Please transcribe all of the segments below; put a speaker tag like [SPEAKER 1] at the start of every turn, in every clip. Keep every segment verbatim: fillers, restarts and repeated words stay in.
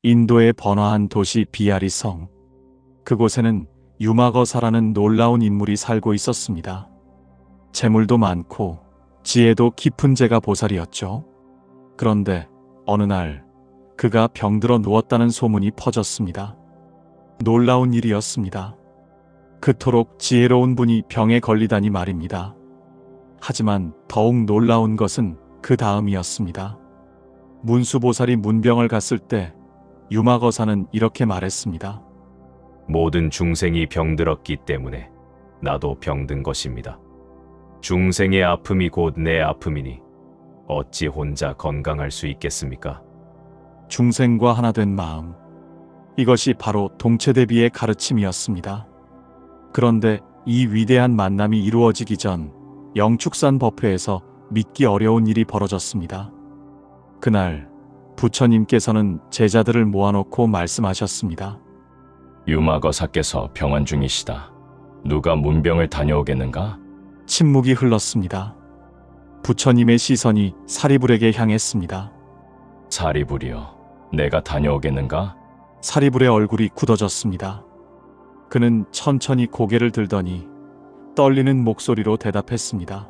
[SPEAKER 1] 인도의 번화한 도시 비아리성. 그곳에는 유마거사라는 놀라운 인물이 살고 있었습니다. 재물도 많고 지혜도 깊은 제가 보살이었죠. 그런데 어느 날 그가 병들어 누웠다는 소문이 퍼졌습니다. 놀라운 일이었습니다. 그토록 지혜로운 분이 병에 걸리다니 말입니다. 하지만 더욱 놀라운 것은 그 다음이었습니다. 문수보살이 문병을 갔을 때 유마거사는 이렇게 말했습니다.
[SPEAKER 2] 모든 중생이 병들었기 때문에 나도 병든 것입니다. 중생의 아픔이 곧 내 아픔이니 어찌 혼자 건강할 수 있겠습니까?
[SPEAKER 1] 중생과 하나 된 마음. 이것이 바로 동체대비의 가르침이었습니다. 그런데 이 위대한 만남이 이루어지기 전 영축산 법회에서 믿기 어려운 일이 벌어졌습니다. 그날 부처님께서는 제자들을 모아놓고 말씀하셨습니다.
[SPEAKER 3] 유마거사께서 병환 중이시다. 누가 문병을 다녀오겠는가?
[SPEAKER 1] 침묵이 흘렀습니다. 부처님의 시선이 사리불에게 향했습니다.
[SPEAKER 3] 사리불이여, 내가 다녀오겠는가?
[SPEAKER 1] 사리불의 얼굴이 굳어졌습니다. 그는 천천히 고개를 들더니 떨리는 목소리로 대답했습니다.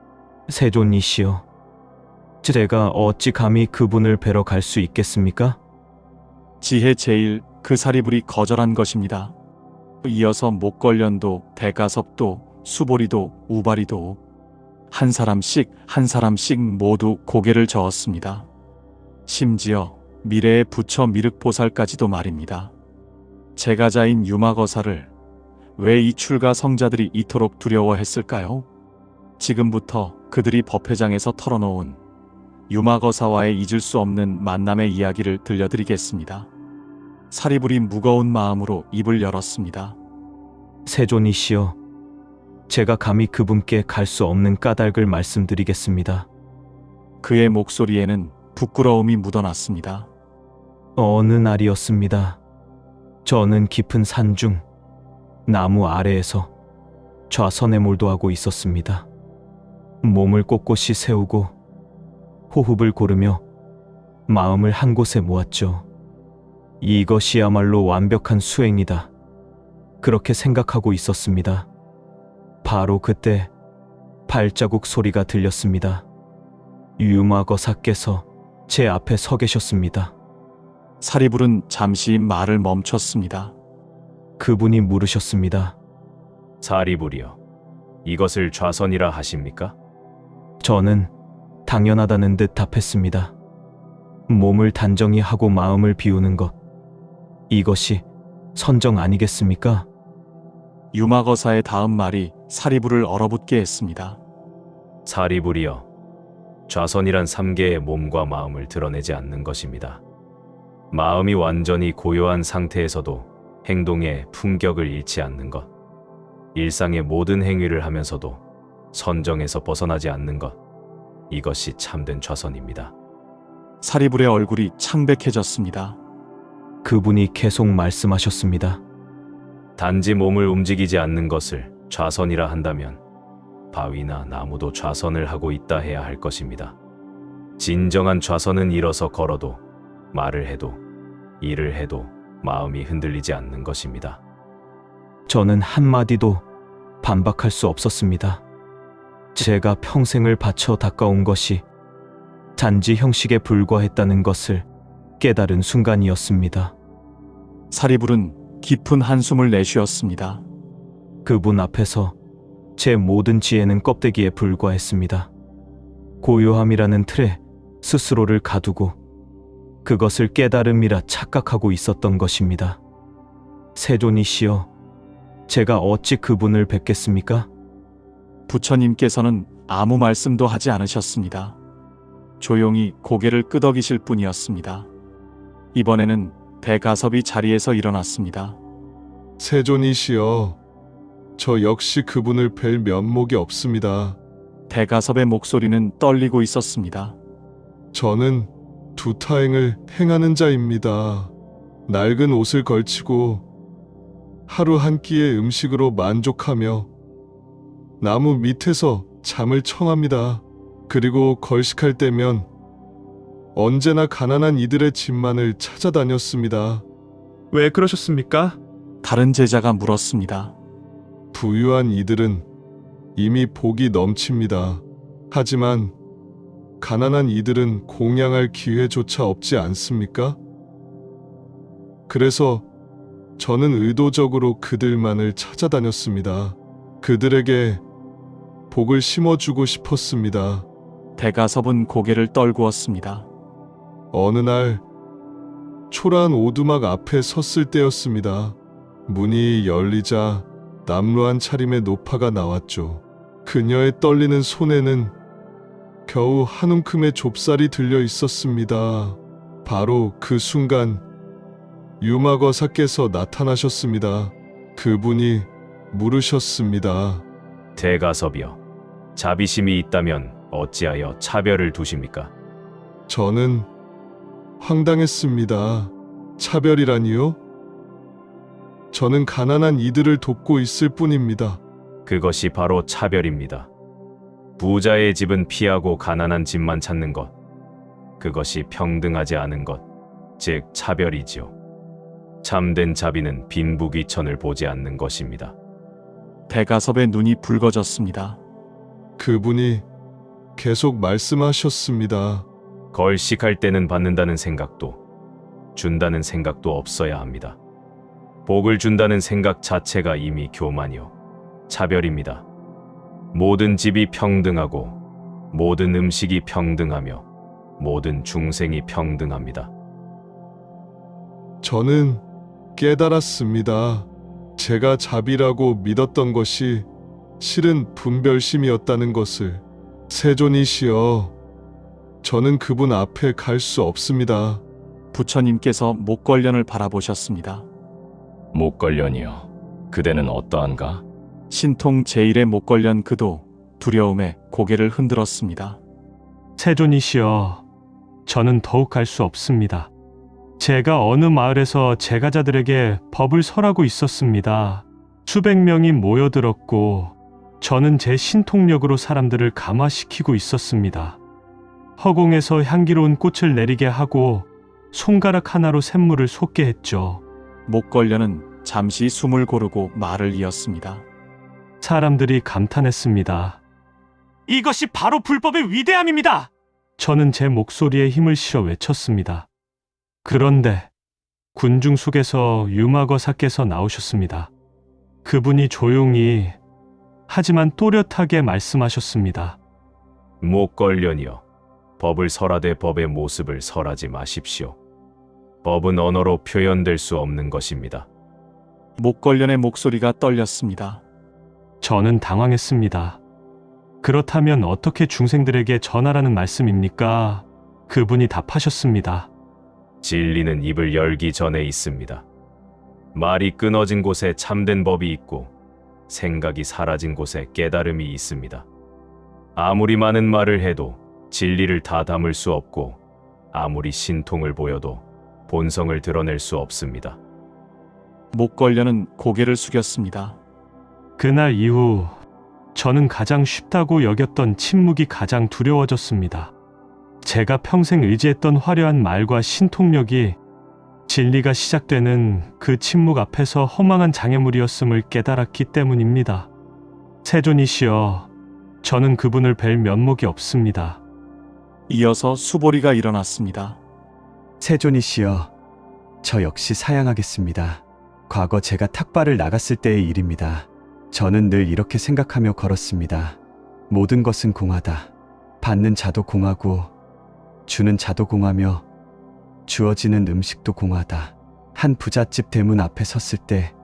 [SPEAKER 4] 세존이시여, 제가 어찌 감히 그분을 뵈러 갈 수 있겠습니까?
[SPEAKER 1] 지혜 제일 그 사리불이 거절한 것입니다. 이어서 목걸련도 대가섭도 수보리도 우바리도 한 사람씩 한 사람씩 모두 고개를 저었습니다. 심지어 미래의 부처 미륵보살까지도 말입니다. 제가자인 유마거사를 왜 이 출가 성자들이 이토록 두려워했을까요? 지금부터 그들이 법회장에서 털어놓은 유마거사와의 잊을 수 없는 만남의 이야기를 들려드리겠습니다. 사리불이 무거운 마음으로 입을 열었습니다.
[SPEAKER 4] 세존이시여, 제가 감히 그분께 갈 수 없는 까닭을 말씀드리겠습니다.
[SPEAKER 1] 그의 목소리에는 부끄러움이 묻어났습니다.
[SPEAKER 4] 어느 날이었습니다. 저는 깊은 산중 나무 아래에서 좌선에 몰두하고 있었습니다. 몸을 꼿꼿이 세우고 호흡을 고르며 마음을 한 곳에 모았죠. 이것이야말로 완벽한 수행이다. 그렇게 생각하고 있었습니다. 바로 그때 발자국 소리가 들렸습니다. 유마거사께서 제 앞에 서 계셨습니다.
[SPEAKER 1] 사리불은 잠시 말을 멈췄습니다.
[SPEAKER 4] 그분이 물으셨습니다.
[SPEAKER 2] 사리불이여, 이것을 좌선이라 하십니까?
[SPEAKER 4] 저는 당연하다는 듯 답했습니다. 몸을 단정히 하고 마음을 비우는 것, 이것이 선정 아니겠습니까?
[SPEAKER 1] 유마거사의 다음 말이 사리불을 얼어붙게 했습니다.
[SPEAKER 2] 사리불이여, 좌선이란 삼계의 몸과 마음을 드러내지 않는 것입니다. 마음이 완전히 고요한 상태에서도 행동의 품격을 잃지 않는 것, 일상의 모든 행위를 하면서도 선정에서 벗어나지 않는 것, 이것이 참된 좌선입니다.
[SPEAKER 1] 사리불의 얼굴이 창백해졌습니다.
[SPEAKER 4] 그분이 계속 말씀하셨습니다.
[SPEAKER 2] 단지 몸을 움직이지 않는 것을 좌선이라 한다면 바위나 나무도 좌선을 하고 있다 해야 할 것입니다. 진정한 좌선은 일어서 걸어도, 말을 해도, 일을 해도 마음이 흔들리지 않는 것입니다.
[SPEAKER 4] 저는 한마디도 반박할 수 없었습니다. 제가 평생을 바쳐 닦아온 것이 단지 형식에 불과했다는 것을 깨달은 순간이었습니다.
[SPEAKER 1] 사리불은 깊은 한숨을 내쉬었습니다.
[SPEAKER 4] 그분 앞에서 제 모든 지혜는 껍데기에 불과했습니다. 고요함이라는 틀에 스스로를 가두고 그것을 깨달음이라 착각하고 있었던 것입니다. 세존이시여, 제가 어찌 그분을 뵙겠습니까?
[SPEAKER 1] 부처님께서는 아무 말씀도 하지 않으셨습니다. 조용히 고개를 끄덕이실 뿐이었습니다. 이번에는 대가섭이 자리에서 일어났습니다.
[SPEAKER 5] 세존이시여, 저 역시 그분을 뵐 면목이 없습니다.
[SPEAKER 1] 대가섭의 목소리는 떨리고 있었습니다.
[SPEAKER 5] 저는 두타행을 행하는 자입니다. 낡은 옷을 걸치고 하루 한 끼의 음식으로 만족하며 나무 밑에서 잠을 청합니다. 그리고 걸식할 때면 언제나 가난한 이들의 집만을 찾아다녔습니다.
[SPEAKER 4] 왜 그러셨습니까?
[SPEAKER 1] 다른 제자가 물었습니다.
[SPEAKER 5] 부유한 이들은 이미 복이 넘칩니다. 하지만 가난한 이들은 공양할 기회조차 없지 않습니까? 그래서 저는 의도적으로 그들만을 찾아다녔습니다. 그들에게 복을 심어주고 싶었습니다.
[SPEAKER 1] 대가섭은 고개를 떨구었습니다.
[SPEAKER 5] 어느 날 초라한 오두막 앞에 섰을 때였습니다. 문이 열리자 남루한 차림의 노파가 나왔죠. 그녀의 떨리는 손에는 겨우 한 움큼의 좁쌀이 들려 있었습니다. 바로 그 순간 유마거사께서 나타나셨습니다. 그분이 물으셨습니다.
[SPEAKER 2] 대가섭이여, 자비심이 있다면 어찌하여 차별을 두십니까?
[SPEAKER 5] 저는 황당했습니다. 차별이라니요? 저는 가난한 이들을 돕고 있을 뿐입니다.
[SPEAKER 2] 그것이 바로 차별입니다. 부자의 집은 피하고 가난한 집만 찾는 것, 그것이 평등하지 않은 것, 즉 차별이지요. 참된 자비는 빈부귀천을 보지 않는 것입니다.
[SPEAKER 1] 대가섭의 눈이 붉어졌습니다.
[SPEAKER 5] 그분이 계속 말씀하셨습니다.
[SPEAKER 2] 걸식할 때는 받는다는 생각도, 준다는 생각도 없어야 합니다. 복을 준다는 생각 자체가 이미 교만이요, 차별입니다. 모든 집이 평등하고, 모든 음식이 평등하며, 모든 중생이 평등합니다.
[SPEAKER 5] 저는 깨달았습니다. 제가 자비라고 믿었던 것이 실은 분별심이었다는 것을. 세존이시여, 저는 그분 앞에 갈 수 없습니다.
[SPEAKER 1] 부처님께서 목걸련을 바라보셨습니다.
[SPEAKER 3] 목걸련이여, 그대는 어떠한가?
[SPEAKER 1] 신통 제일의 목걸련 그도 두려움에 고개를 흔들었습니다.
[SPEAKER 6] 세존이시여, 저는 더욱 갈 수 없습니다. 제가 어느 마을에서 제가자들에게 법을 설하고 있었습니다. 수백 명이 모여들었고 저는 제 신통력으로 사람들을 감화시키고 있었습니다. 허공에서 향기로운 꽃을 내리게 하고 손가락 하나로 샘물을 솟게 했죠.
[SPEAKER 1] 목걸련은 잠시 숨을 고르고 말을 이었습니다.
[SPEAKER 6] 사람들이 감탄했습니다. 이것이 바로 불법의 위대함입니다. 저는 제 목소리에 힘을 실어 외쳤습니다. 그런데 군중 속에서 유마거사께서 나오셨습니다. 그분이 조용히 하지만 또렷하게 말씀하셨습니다.
[SPEAKER 2] 목걸련이여, 법을 설하되 법의 모습을 설하지 마십시오. 법은 언어로 표현될 수 없는 것입니다.
[SPEAKER 1] 목걸련의 목소리가 떨렸습니다.
[SPEAKER 6] 저는 당황했습니다. 그렇다면 어떻게 중생들에게 전하라는 말씀입니까? 그분이 답하셨습니다.
[SPEAKER 2] 진리는 입을 열기 전에 있습니다. 말이 끊어진 곳에 참된 법이 있고 생각이 사라진 곳에 깨달음이 있습니다. 아무리 많은 말을 해도 진리를 다 담을 수 없고 아무리 신통을 보여도 본성을 드러낼 수 없습니다.
[SPEAKER 1] 목걸련은 고개를 숙였습니다.
[SPEAKER 6] 그날 이후 저는 가장 쉽다고 여겼던 침묵이 가장 두려워졌습니다. 제가 평생 의지했던 화려한 말과 신통력이 진리가 시작되는 그 침묵 앞에서 허망한 장애물이었음을 깨달았기 때문입니다. 세존이시여, 저는 그분을 뵐 면목이 없습니다.
[SPEAKER 1] 이어서 수보리가 일어났습니다.
[SPEAKER 7] 세존이시여, 저 역시 사양하겠습니다. 과거 제가 탁발을 나갔을 때의 일입니다. 저는 늘 이렇게 생각하며 걸었습니다. 모든 것은 공하다. 받는 자도 공하고 주는 자도 공하며 주어지는 음식도 공하다. 한 부잣집 대문 앞에 섰을 때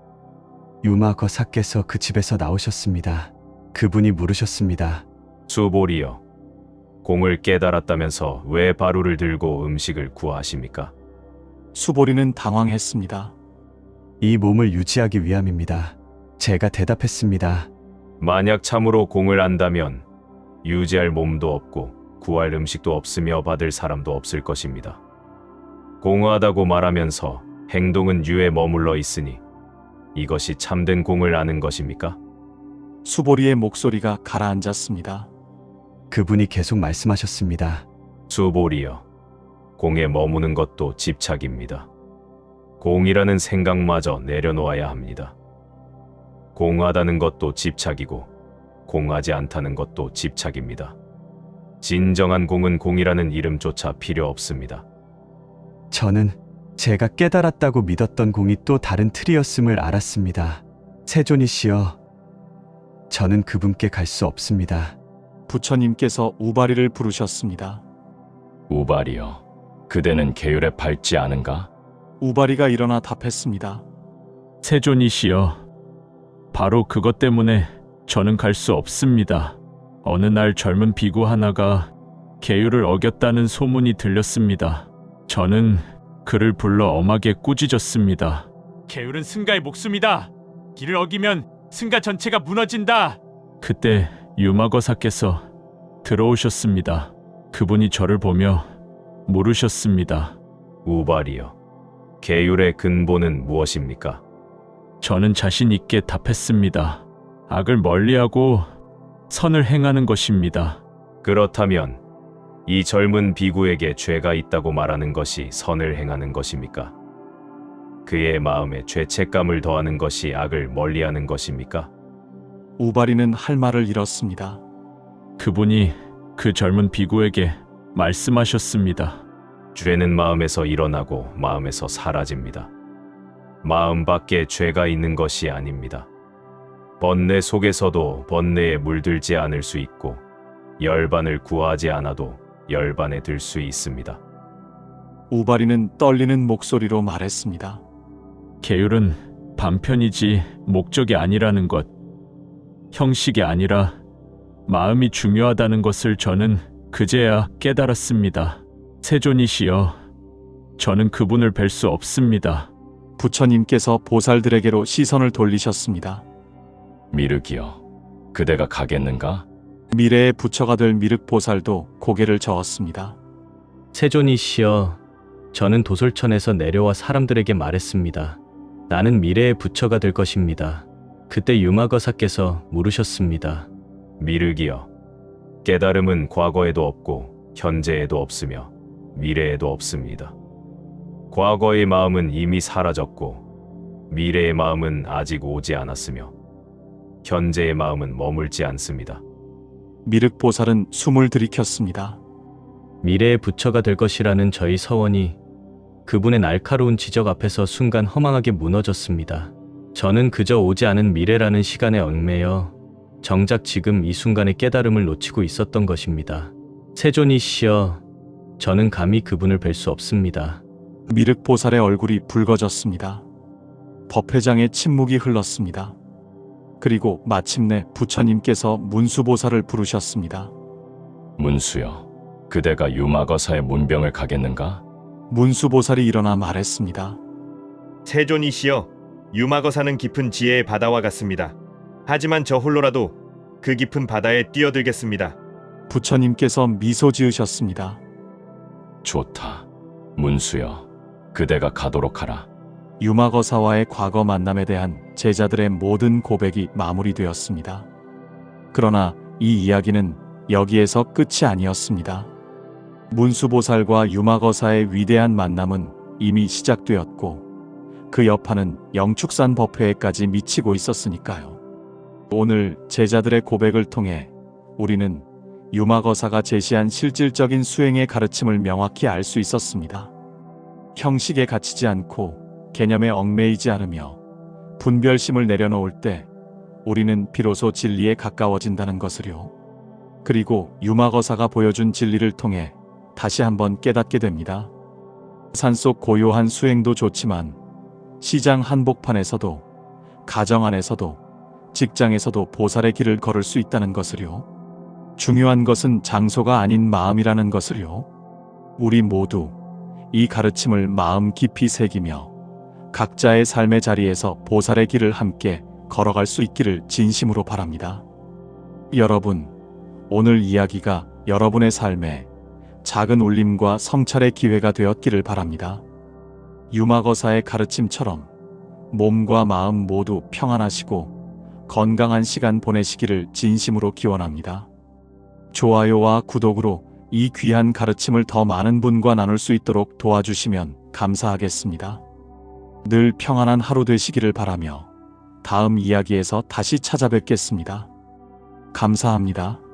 [SPEAKER 7] 유마거사께서 그 집에서 나오셨습니다. 그분이 물으셨습니다.
[SPEAKER 2] 수보리여, 공을 깨달았다면서 왜 바루를 들고 음식을 구하십니까?
[SPEAKER 1] 수보리는 당황했습니다.
[SPEAKER 7] 이 몸을 유지하기 위함입니다. 제가 대답했습니다.
[SPEAKER 2] 만약 참으로 공을 안다면 유지할 몸도 없고 구할 음식도 없으며 받을 사람도 없을 것입니다. 공하다고 말하면서 행동은 유에 머물러 있으니 이것이 참된 공을 아는 것입니까?
[SPEAKER 1] 수보리의 목소리가 가라앉았습니다.
[SPEAKER 7] 그분이 계속 말씀하셨습니다.
[SPEAKER 2] 수보리여, 공에 머무는 것도 집착입니다. 공이라는 생각마저 내려놓아야 합니다. 공하다는 것도 집착이고 공하지 않다는 것도 집착입니다. 진정한 공은 공이라는 이름조차 필요 없습니다.
[SPEAKER 7] 저는 제가 깨달았다고 믿었던 공이 또 다른 틀이었음을 알았습니다. 세존이시여, 저는 그분께 갈 수 없습니다.
[SPEAKER 1] 부처님께서 우바리를 부르셨습니다.
[SPEAKER 3] 우발이여, 그대는 계율에 밟지 않은가?
[SPEAKER 1] 우바리가 일어나 답했습니다.
[SPEAKER 6] 세존이시여, 바로 그것 때문에 저는 갈 수 없습니다. 어느 날 젊은 비구 하나가 계율을 어겼다는 소문이 들렸습니다. 저는 그를 불러 엄하게 꾸짖었습니다. 계율은 승가의 목숨이다. 이를 어기면 승가 전체가 무너진다. 그때 유마거사께서 들어오셨습니다. 그분이 저를 보며 물으셨습니다.
[SPEAKER 2] 우발이여, 계율의 근본은 무엇입니까?
[SPEAKER 6] 저는 자신 있게 답했습니다. 악을 멀리하고 선을 행하는 것입니다.
[SPEAKER 2] 그렇다면 이 젊은 비구에게 죄가 있다고 말하는 것이 선을 행하는 것입니까? 그의 마음에 죄책감을 더하는 것이 악을 멀리하는 것입니까?
[SPEAKER 1] 우바리는 할 말을 잃었습니다.
[SPEAKER 6] 그분이 그 젊은 비구에게 말씀하셨습니다.
[SPEAKER 2] 죄는 마음에서 일어나고 마음에서 사라집니다. 마음 밖에 죄가 있는 것이 아닙니다. 번뇌 속에서도 번뇌에 물들지 않을 수 있고 열반을 구하지 않아도 열반에 들 수 있습니다.
[SPEAKER 1] 우바리는 떨리는 목소리로 말했습니다.
[SPEAKER 6] 계율은 반편이지 목적이 아니라는 것, 형식이 아니라 마음이 중요하다는 것을 저는 그제야 깨달았습니다. 세존이시여, 저는 그분을 뵐 수 없습니다.
[SPEAKER 1] 부처님께서 보살들에게로 시선을 돌리셨습니다.
[SPEAKER 3] 미륵이여, 그대가 가겠는가?
[SPEAKER 1] 미래의 부처가 될 미륵보살도 고개를 저었습니다.
[SPEAKER 4] 세존이시여, 저는 도솔천에서 내려와 사람들에게 말했습니다. 나는 미래의 부처가 될 것입니다. 그때 유마거사께서 물으셨습니다.
[SPEAKER 2] 미륵이여, 깨달음은 과거에도 없고 현재에도 없으며 미래에도 없습니다. 과거의 마음은 이미 사라졌고 미래의 마음은 아직 오지 않았으며 현재의 마음은 머물지 않습니다.
[SPEAKER 1] 미륵보살은 숨을 들이켰습니다.
[SPEAKER 4] 미래의 부처가 될 것이라는 저희 서원이 그분의 날카로운 지적 앞에서 순간 허망하게 무너졌습니다. 저는 그저 오지 않은 미래라는 시간에 얽매여 정작 지금 이 순간의 깨달음을 놓치고 있었던 것입니다. 세존이시여, 저는 감히 그분을 뵐 수 없습니다.
[SPEAKER 1] 미륵보살의 얼굴이 붉어졌습니다. 법회장의 침묵이 흘렀습니다. 그리고 마침내 부처님께서 문수보살을 부르셨습니다.
[SPEAKER 3] 문수여, 그대가 유마거사의 문병을 가겠는가?
[SPEAKER 1] 문수보살이 일어나 말했습니다.
[SPEAKER 8] 세존이시여, 유마거사는 깊은 지혜의 바다와 같습니다. 하지만 저 홀로라도 그 깊은 바다에 뛰어들겠습니다.
[SPEAKER 1] 부처님께서 미소 지으셨습니다.
[SPEAKER 3] 좋다. 문수여, 그대가 가도록 하라.
[SPEAKER 1] 유마거사와의 과거 만남에 대한 제자들의 모든 고백이 마무리되었습니다. 그러나 이 이야기는 여기에서 끝이 아니었습니다. 문수보살과 유마거사의 위대한 만남은 이미 시작되었고 그 여파는 영축산 법회에까지 미치고 있었으니까요. 오늘 제자들의 고백을 통해 우리는 유마거사가 제시한 실질적인 수행의 가르침을 명확히 알 수 있었습니다. 형식에 갇히지 않고 개념에 얽매이지 않으며 분별심을 내려놓을 때 우리는 비로소 진리에 가까워진다는 것을요. 그리고 유마거사가 보여준 진리를 통해 다시 한번 깨닫게 됩니다. 산속 고요한 수행도 좋지만 시장 한복판에서도, 가정 안에서도, 직장에서도 보살의 길을 걸을 수 있다는 것을요. 중요한 것은 장소가 아닌 마음이라는 것을요. 우리 모두 이 가르침을 마음 깊이 새기며 각자의 삶의 자리에서 보살의 길을 함께 걸어갈 수 있기를 진심으로 바랍니다. 여러분, 오늘 이야기가 여러분의 삶에 작은 울림과 성찰의 기회가 되었기를 바랍니다. 유마거사의 가르침처럼 몸과 마음 모두 평안하시고 건강한 시간 보내시기를 진심으로 기원합니다. 좋아요와 구독으로 이 귀한 가르침을 더 많은 분과 나눌 수 있도록 도와주시면 감사하겠습니다. 늘 평안한 하루 되시기를 바라며 다음 이야기에서 다시 찾아뵙겠습니다. 감사합니다.